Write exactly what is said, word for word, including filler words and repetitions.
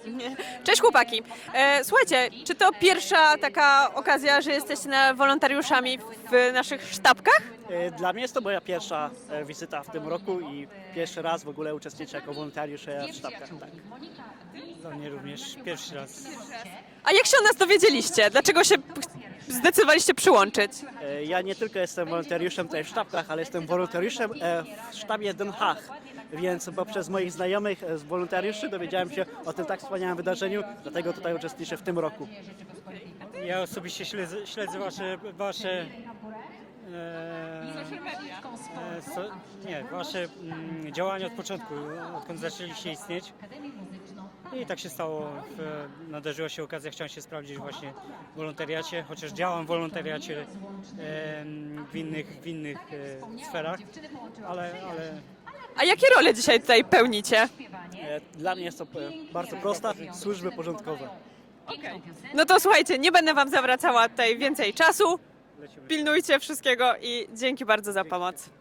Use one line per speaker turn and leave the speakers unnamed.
Cześć chłopaki. E, słuchajcie, czy to pierwsza taka okazja, że jesteście na wolontariuszami w naszych sztabkach?
E, Dla mnie jest to moja pierwsza e, wizyta w tym roku i pierwszy raz w ogóle uczestniczę jako wolontariusz e, w sztabkach. Tak.
Dla mnie również pierwszy raz.
A jak się o nas dowiedzieliście? Dlaczego się p- zdecydowaliście przyłączyć?
E, Ja nie tylko jestem wolontariuszem tutaj w sztabkach, ale jestem wolontariuszem e, w sztabie Den Haag. Więc poprzez moich znajomych e, z wolontariuszy dowiedziałem się o tym tak wspaniałym wydarzeniu, dlatego tutaj uczestniczę w tym roku.
Ja osobiście śledzę, śledzę wasze, wasze e, e, so, nie, wasze mm, działania od początku, odkąd zaczęliście istnieć. I tak się stało, w, nadarzyła się okazja, chciałem się sprawdzić właśnie w wolontariacie, chociaż działam w wolontariacie e, w innych, w innych e, sferach, ale, ale
A jakie role dzisiaj tutaj pełnicie?
E, Dla mnie jest to e, bardzo prosta, służby porządkowe.
No to słuchajcie, nie będę wam zawracała tutaj więcej czasu.
lecimy.
Pilnujcie wszystkiego i dzięki bardzo za pomoc.